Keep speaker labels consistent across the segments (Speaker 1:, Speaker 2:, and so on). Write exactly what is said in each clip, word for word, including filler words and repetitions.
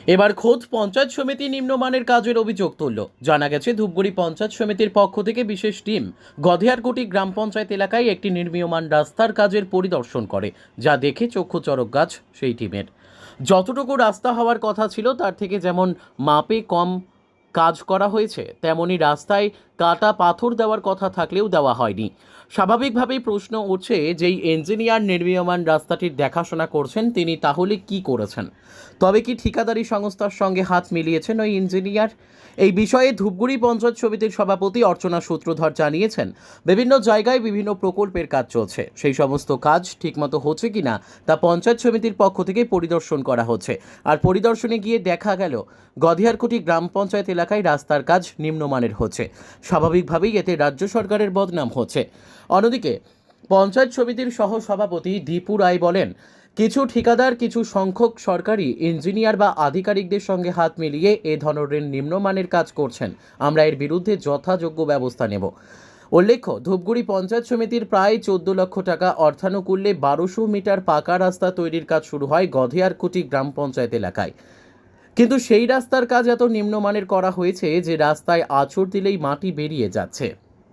Speaker 1: এবার খোদ পঞ্চায়েত সমিতি নিম্নমানের কাজের অভিযোগ তুলল। জানা গেছে ধূপগুড়ি পঞ্চায়েত সমিতির পক্ষ থেকে বিশেষ টিম গধেয়ারকুটি গ্রাম পঞ্চায়েত এলাকায় একটি নির্মীয়মান রাস্তার কাজের পরিদর্শন করে, যা দেখে চক্ষু চড়ক গাছ সেই টিমের। যতটুকু রাস্তা হওয়ার কথা ছিল তার থেকে যেমন মাপে কম কাজ করা হয়েছে, তেমনি রাস্তায় কাটা পাথর দেওয়ার কথা থাকলেও দেওয়া হয়নি। স্বাভাবিকভাবেই প্রশ্ন উঠছে, যেই ইঞ্জিনিয়ার নির্মীয়মান রাস্তাটির দেখাশোনা করছেন তিনি তাহলে কি করেছেন? তবে কি ঠিকাদারি সংস্থার সঙ্গে হাত মিলিয়েছেন ওই ইঞ্জিনিয়ার? এই বিষয়ে ধূপগুড়ি পঞ্চায়েত সমিতির সভাপতি অর্চনা সূত্রধর জানিয়েছেন, বিভিন্ন জায়গায় বিভিন্ন প্রকল্পের কাজ চলছে, সেই সমস্ত কাজ ঠিকমতো হচ্ছে কিনা তা পঞ্চায়েত সমিতির পক্ষ থেকে পরিদর্শন করা হচ্ছে। আর পরিদর্শনে গিয়ে দেখা গেল গধেয়ারকুটি গ্রাম পঞ্চায়েত এলাকায় রাস্তার কাজ নিম্নমানের হচ্ছে। স্বাভাবিকভাবেই এতে রাজ্য সরকারের বদনাম হচ্ছে। অন্যদিকে পঞ্চায়েত সমিতির সহ সভাপতি দীপু রায় বলেন, কিছু ঠিকাদার কিছু সংখ্যক সরকারি ইঞ্জিনিয়ার বা আধিকারিকদের সঙ্গে হাত মিলিয়ে এ ধরনের নিম্নমানের কাজ করছেন। আমরা এর বিরুদ্ধে যথাযোগ্য ব্যবস্থা নেব। উল্লেখ্য, ধূপগুড়ি পঞ্চায়েত সমিতির প্রায় চোদ্দ লক্ষ টাকা অর্থানুকূল্যে বারোশো মিটার পাকা রাস্তা তৈরির কাজ শুরু হয় গধেয়ারকুটি গ্রাম পঞ্চায়েত এলাকায়। কিন্তু সেই রাস্তার কাজ এত নিম্নমানের করা হয়েছে যে রাস্তায় আঁচড় দিলেই মাটি বেরিয়ে যাচ্ছে।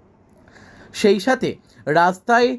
Speaker 1: সেই সাথে রাস্তায়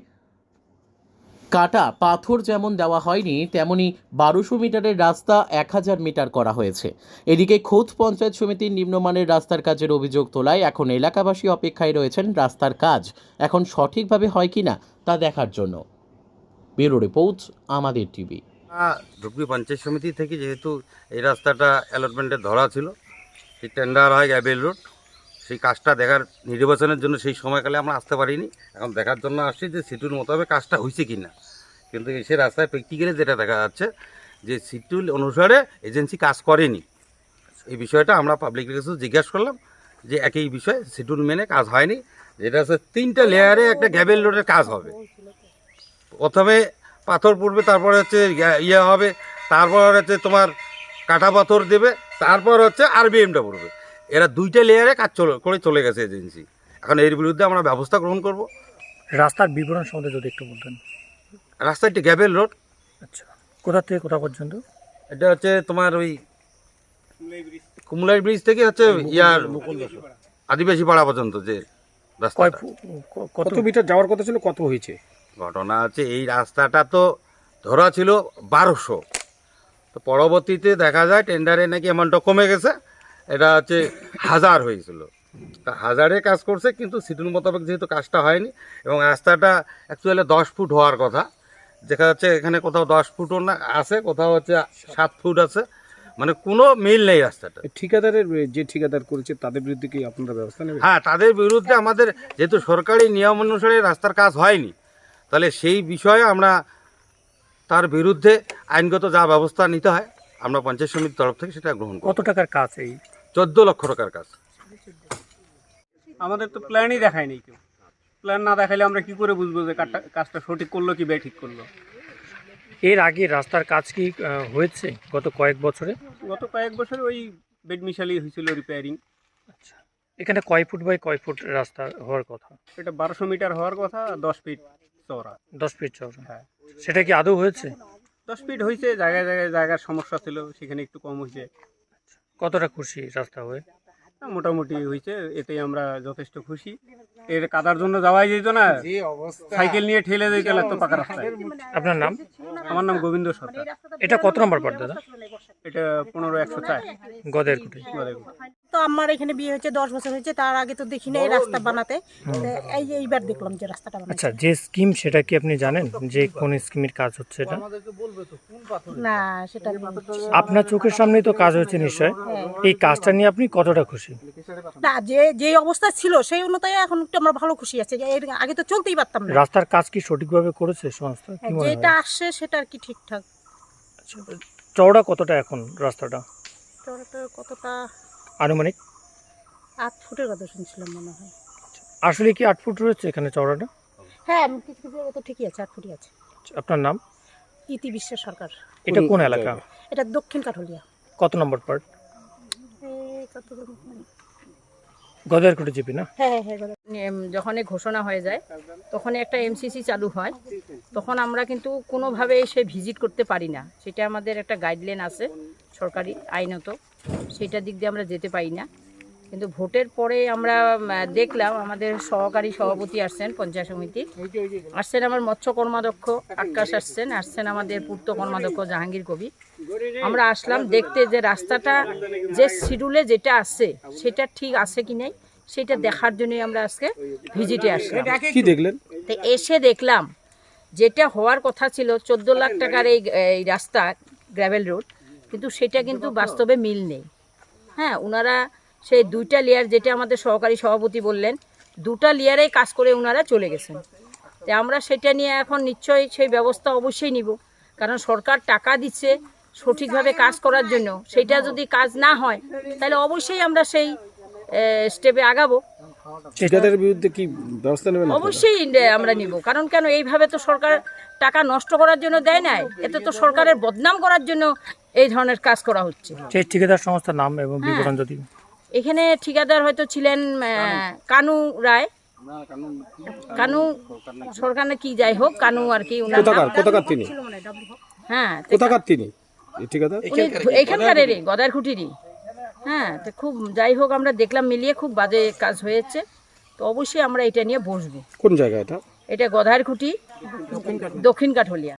Speaker 1: কাটা পাথর যেমন দেওয়া হয়নি, তেমনি বারোশো মিটারের রাস্তা এক হাজার মিটার করা হয়েছে। এদিকে খোদ পঞ্চায়েত সমিতির নিম্নমানের রাস্তার কাজের অভিযোগ তোলায় এখন এলাকাবাসী অপেক্ষায় রয়েছেন রাস্তার কাজ এখন সঠিকভাবে হয় কিনা তা দেখার জন্য। ব্যুরো রিপোর্ট, আমাদের টিভি।
Speaker 2: ধূপগুড়ি পঞ্চায়েত সমিতি থেকে যেহেতু এই রাস্তাটা অ্যালটমেন্টে ধরা ছিল, সেই টেন্ডার হয় গ্যাবেল রোড, সেই কাজটা দেখার নির্বাচনের জন্য সেই সময়কালে আমরা আসতে পারিনি। এখন দেখার জন্য আসছি যে সিটুল মোতাবেক কাজটা হয়েছে কি না। কিন্তু এসে রাস্তায় প্র্যাকটিক্যালি যেটা দেখা যাচ্ছে যে সিটুল অনুসারে এজেন্সি কাজ করেনি। এই বিষয়টা আমরা পাবলিকের কাছে জিজ্ঞাসা করলাম যে একই বিষয় সিটুল মেনে কাজ হয়নি। যেটা হচ্ছে তিনটা লেয়ারে একটা গ্যাবেল রোডের কাজ হবে। প্রথমে পাথর পড়বে, তারপরে হচ্ছে ইয়ে হবে, তারপর হচ্ছে তোমার কাটা পাথর দেবে, তারপর হচ্ছে আরবিএমটা পড়বে। এরা দুইটা লেয়ারে কাজ চলে করে চলে গেছে এজেন্সি। এখন এর বিরুদ্ধে আমরা ব্যবস্থা গ্রহণ করব।
Speaker 3: রাস্তার বিবরণ সম্বন্ধে যদি একটু বলতেন।
Speaker 2: রাস্তাটি গ্যাবেল রোড।
Speaker 3: আচ্ছা, কোথা থেকে কোথা পর্যন্ত?
Speaker 2: এটা হচ্ছে তোমার ওই কুমলাই ব্রিজ থেকে হচ্ছে ইয়ার আদিবাসী পাড়া পর্যন্ত যে রাস্তা।
Speaker 3: কয় ফু- ক- কত মিটার যাওয়ার কথা ছিল, কত হয়েছে?
Speaker 2: ঘটনা হচ্ছে এই রাস্তাটা তো ধরা ছিল বারোশো, তো পরবর্তীতে দেখা যায় টেন্ডারে নাকি অ্যামাউন্টটা কমে গেছে, এটা হচ্ছে হাজার হয়েছিল। তা হাজারে কাজ করছে, কিন্তু সিটুল মোতাবেক যেহেতু কাজটা হয়নি এবং রাস্তাটা অ্যাকচুয়ালি দশ ফুট হওয়ার কথা, দেখা যাচ্ছে এখানে কোথাও দশ ফুটও না আছে, কোথাও হচ্ছে সাত ফুট আছে, মানে কোনো মিল নেই রাস্তাটা।
Speaker 4: ঠিকাদারের যে ঠিকাদার করেছে তাদের বিরুদ্ধে কি আপনারা ব্যবস্থা নেবেন?
Speaker 2: হ্যাঁ, তাদের বিরুদ্ধে আমাদের যেহেতু সরকারি নিয়ম অনুসারে রাস্তার কাজ হয়নি, তাহলে সেই বিষয়ে আমরা তার বিরুদ্ধে আইনগত যা ব্যবস্থা নিতে হয় আমরা পঞ্চায়েত সমিতির তরফ থেকে সেটা গ্রহণ করব।
Speaker 3: কত টাকার কাজ এই?
Speaker 2: চোদ্দ লক্ষ টাকার কাজ।
Speaker 5: আমাদের তো প্ল্যানই দেখায়নি কেউ। প্ল্যান না দেখাইলে আমরা কি করে বুঝবো যে কাজটা কাজটা সঠিক করলো কি ঠিক করলো?
Speaker 3: এর আগে রাস্তার কাজ কি আহ, হয়েছে গত কয়েক বছরে?
Speaker 5: গত কয়েক বছর ওই বেড মিশালি হয়েছিল রিপেয়ারিং।
Speaker 3: আচ্ছা, এখানে কয় ফুট বাই কয় ফুট রাস্তা হওয়ার কথা?
Speaker 5: এটা বারোশো মিটার হওয়ার কথা, দশ ফিট চওড়া।
Speaker 3: দশ ফিট চওড়া।
Speaker 5: হ্যাঁ,
Speaker 3: সেটা কি আদৌ হয়েছে?
Speaker 5: দশ ফিট হয়েছে, জায়গায় জায়গায় জায়গার সমস্যা ছিল, সেখানে একটু কম হয়েছে।
Speaker 3: কতটা খুশি রাস্তা হয়ে?
Speaker 5: মোটামুটি হয়েছে, এতেই আমরা যথেষ্ট খুশি। এর কাদার জন্য যাওয়াই যেত না, সাইকেল নিয়ে ঠেলে যেতে লাগতো পাকা রাস্তায়।
Speaker 3: আপনার নাম?
Speaker 5: আমার নাম গোবিন্দ সরকার।
Speaker 3: এটা কত নম্বর পার দাদা?
Speaker 5: এটা পনেরো একশো চার
Speaker 3: গধেয়ারকুটি।
Speaker 6: তো আমার এখানে বিয়ে হয়েছে দশ বছর হয়েছে, তার আগে তো দেখি না এই রাস্তা বানাতে। এই এইবার দেখলাম যে রাস্তাটা বানাচ্ছে।
Speaker 3: আচ্ছা, যে স্কিম সেটা কি আপনি জানেন যে কোন স্কিমের কাজ হচ্ছে এটা?
Speaker 6: না, সেটা আমি বলছি না।
Speaker 3: আপনার চোখের সামনেই তো কাজ হয়েছে নিশ্চয়। এই কাজটা নিয়ে আপনি কতটা খুশি?
Speaker 6: না, যে যে অবস্থা ছিল সেই অনুযায়ী এখন একটু আমরা ভালো খুশি আছি। এর আগে তো চলতেই পারতাম না।
Speaker 3: রাস্তার কাজ কি সঠিকভাবে করেছে সংস্থা? কি মনে হয়?
Speaker 6: যেটা আসছে সেটা আর কি ঠিকঠাক।
Speaker 3: আচ্ছা, চওড়া কতটা এখন রাস্তাটা
Speaker 6: চওড়াটা কতটা?
Speaker 3: আনুমানিক
Speaker 6: আট ফুটের কথা শুনছিলাম মনে হয়।
Speaker 3: আসলে কি আট ফুট রয়েছে এখানে চওড়াটা?
Speaker 6: হ্যাঁ, আমি কিছু কিছু জায়গায় তো ঠিকই আছে, আট ফুটই আছে।
Speaker 3: আচ্ছা, আপনার নাম?
Speaker 6: ইতি বিশ্বাস সরকার।
Speaker 3: এটা কোন এলাকা?
Speaker 6: এটা দক্ষিণ কাঠলিয়া।
Speaker 3: কত নম্বর পার্ট?
Speaker 6: এই কত
Speaker 3: গদারকুটি জিপি না?
Speaker 6: হ্যাঁ হ্যাঁ হ্যাঁ
Speaker 7: এম, যখনই ঘোষণা হয়ে যায় তখন একটা এমসিসি চালু হয়, তখন আমরা কিন্তু কোনোভাবে সে ভিজিট করতে পারি না। সেটা আমাদের একটা গাইডলাইন আছে সরকারি আইনত, সেটা দিক দিয়ে আমরা যেতে পারি না। কিন্তু ভোটের পরে আমরা উম, দেখলাম আমাদের সহকারী সভাপতি আসছেন, পঞ্চায়েত সমিতি আসছেন, আমার মৎস্য কর্মাধ্যক্ষ আকাশ আসছেন, আসছেন আমাদের পূর্ত কর্মাধ্যক্ষ জাহাঙ্গীর কবি। আমরা আসলাম দেখতে যে রাস্তাটা যে শিডিউলে যেটা আছে সেটা ঠিক আছে কি নাই সেটা দেখার জন্যই আমরা আজকে ভিজিটে আসলাম।
Speaker 4: কি দেখলেন?
Speaker 7: তো এসে দেখলাম যেটা হওয়ার কথা ছিল চোদ্দ লাখ টাকার এই এই রাস্তা গ্র্যাভেল রোড, কিন্তু সেটা কিন্তু বাস্তবে মিল নেই। হ্যাঁ, ওনারা সেই দুইটা লেয়ার, যেটা আমাদের সহকারী সভাপতি বললেন, দুটা লেয়ারেই কাজ করে ওনারা চলে গেছেন। তো আমরা সেটা নিয়ে এখন নিশ্চয়ই সেই ব্যবস্থা অবশ্যই নিব, কারণ সরকার টাকা দিচ্ছে সঠিকভাবে কাজ করার জন্য, সেটা যদি কাজ না হয় তাহলে অবশ্যই আমরা সেই স্টেপে আগাবো।
Speaker 4: ঠিকাদারের বিরুদ্ধে কি ব্যবস্থা নেবেন?
Speaker 7: অবশ্যই আমরা নিব, কারণ কেন এইভাবে তো সরকার টাকা নষ্ট করার জন্য দেয় নাই, এতে তো সরকারের বদনাম করার জন্য এই ধরনের কাজ করা হচ্ছে।
Speaker 3: সেই ঠিকাদার সংস্থার নাম এবং
Speaker 7: হ্যাঁ।
Speaker 3: বিবরণ যদি।
Speaker 7: এখানে ঠিকাদার হয়তো ছিলেন আহ, কানু রায়, কানু সরকার না কি যাই হোক, কানু আর কি ওনার নাম।
Speaker 4: কোথাকার কোথাকার তিনি?
Speaker 7: হ্যাঁ, তো
Speaker 4: কোথাকার তিনি এই ঠিকাদার?
Speaker 7: উনি এইখানকারেরই, গদারকুটিরই। হ্যাঁ, তো খুব যাই হোক আমরা দেখলাম মিলিয়ে খুব বাজে কাজ হয়েছে, তো অবশ্যই আমরা এটা নিয়ে বসবো।
Speaker 4: কোন জায়গা এটা?
Speaker 7: এটা গদারকুটি, দক্ষিণ কাঠলিয়া।